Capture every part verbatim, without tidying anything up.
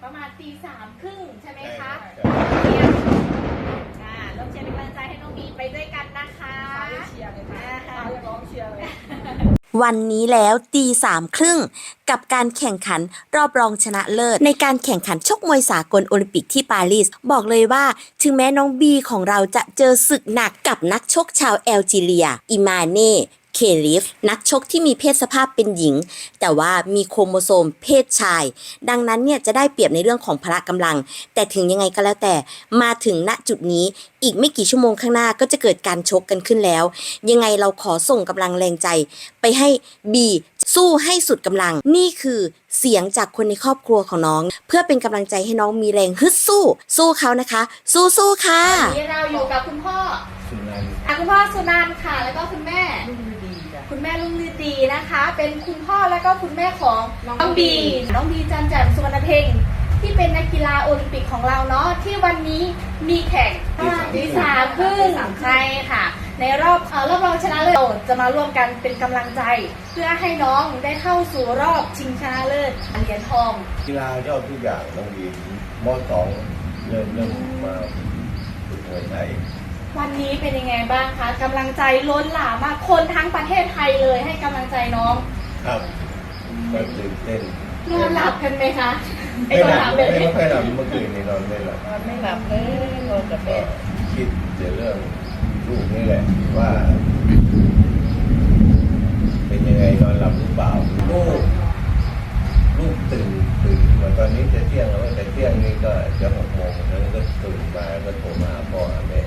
ประมาณตีสามครึ่งใช่ไหมคะใช่เรียนอ่าร่วมเชียร์เป็นกำลังใจให้น้องบีไปด้วยกันนะคะเชียร์เลยค่ะร้องเชียร์เลยวันนี้แล้วตีสามครึ่งกับการแข่งขันรอบรองชนะเลิศในการแข่งขันชกมวยสากลโอลิมปิกที่ปารีสบอกเลยว่าถึงแม้น้องบีของเราจะเจอศึกหนักกับนักชกชาวแอลจีเรียอิมาเน่เคลิฟนักชกที่มีเพศสภาพเป็นหญิงแต่ว่ามีโครโมโซมเพศชายดังนั้นเนี่ยจะได้เปรียบในเรื่องของพละกำลังแต่ถึงยังไงก็แล้วแต่มาถึงณจุดนี้อีกไม่กี่ชั่วโมงข้างหน้าก็จะเกิดการชกกันขึ้นแล้วยังไงเราขอส่งกำลังแรงใจไปให้บีสู้ให้สุดกำลังนี่คือเสียงจากคนในครอบครัวของน้องเพื่อเป็นกำลังใจให้น้องมีแรงฮึดสู้สู้เขานะคะสู้ๆค่ะวันนี้เราอยู่กับคุณพ่อสุนันท์อ่ะคุณพ่อสุนันท์ค่ะ แล้วก็คุณแม่รุ่งฤดีจ้ะคุณแม่ลุงลือดีนะคะ เป็นคุณพ่อแล้วก็คุณแม่ของน้องบีน้องบีจันแจ่มสุวรรณเพ็งที่เป็นนักกีฬาโอลิมปิกของเราเนาะที่วันนี้มีแข่งตีสามครึ่งใช่ค่ะ ในรอบเอ่อรอบรองชนะเลิศเราจะมาร่วมกันเป็นกำลังใจ เพื่อให้น้องได้เข้าสู่รอบชิงชนะเลิศเหรียญทองกีฬาชอบทุกอย่างน้องบีมอสองเริ่มเริ่มมาฝึกมวยไทยวันนี้เป็นยังไงบ้างคะกำลังใจล้นหลามมากคนทั้งประเทศไทยเลยให้กำลังใจน้องครับก็ตื่นเต้นนอนหลับกันไหมคะไอ้ไม่คำหลัถาบมไม่แบบนี้ค่อยหลับเมื่อคืนนี้นอนไม่หลับนอนไม่หลับเลยนอนกับก็แม่คิดแต่เรื่องลูกนี่แหละว่า เป็นยังไงนอนหลับหรือเปล่าลูกลูกตื่นตื่นเหมือนตอนนี้จะเที่ยงแล้วแต่เที่ยงนี้ก็จะหกโมงแล้วก็ตื่นมาก็โทรมาหาพ่อหาแม่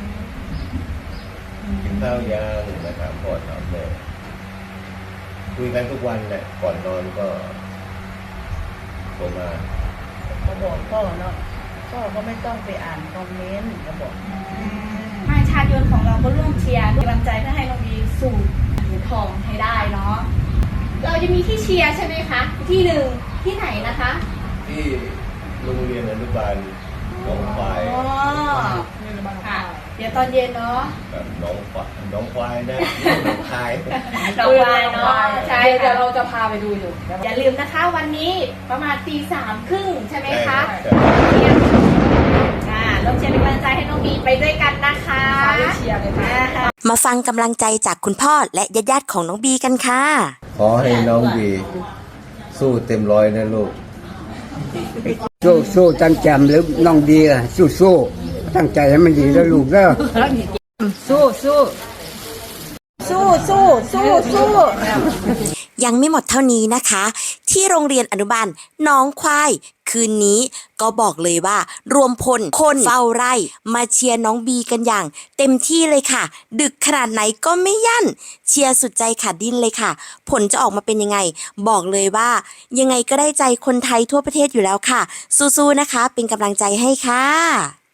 กินข้าวยังมาถามพ่อถามแม่คุยกันทุกวันแหละก่อนนอนก็โทรมาเขาบอกพ่อเนาะพ่อก็ไม่ต้องไปอ่านคอมเมนต์เขาบอกมาชาติยนต์ของเราก็ร่วมเชียร์กำลังใจเพื่อให้น้องบีสู่เหรียญทองให้ได้เนาะเราจะมีที่เชียร์ใช่ไหมคะที่หนึ่งที่ไหนนะคะที่โรงเรียนอนุบาลหนองควายอ๋อค่ะเดี๋ยวตอนเย็นเนาะกับหนองควายหนองควายนะหนองคายดอกไม้เนาะใช่เดี๋ยวค่ะเราจะพาไปดูอยู่อย่าลืมนะคะวันนี้ประมาณตีสามครึ่งใช่ไหมคะใช่ครับเรียนอ่าร่วมเชียร์เป็นกำลังใจให้น้องบีไปด้วยกันนะคะเชียร์เลยค่ะมาฟังกำลังใจจากคุณพ่อและญาติๆของน้องบีกันค่ะขอให้น้องบีสู้เต็มร้อยนะลูกสู้สู้จันแจมหรือน้องดีอะสู้สู้ตั้งใจให้มันดีแล้วลูกเด้อสู้สู้สู้สู้สู้สู้ยังไม่หมดเท่านี้นะคะ ที่โรงเรียนอนุบาลหน้องควาย คืนนี้ก็บอกเลยว่า รวมพลคนเฝ้าไร่มาเชียร์น้องบีกันอย่าง เต็มที่เลยค่ะ ดึกขนาดไหนก็ไม่ยั่น เชียร์สุดใจขาดดิ้นเลยค่ะ ผลจะออกมาเป็นยังไง บอกเลยว่า ยังไงก็ได้ใจคนไทยทั่วประเทศอยู่แล้วค่ะ สู้ๆนะคะ เป็นกำลังใจให้ค่ะ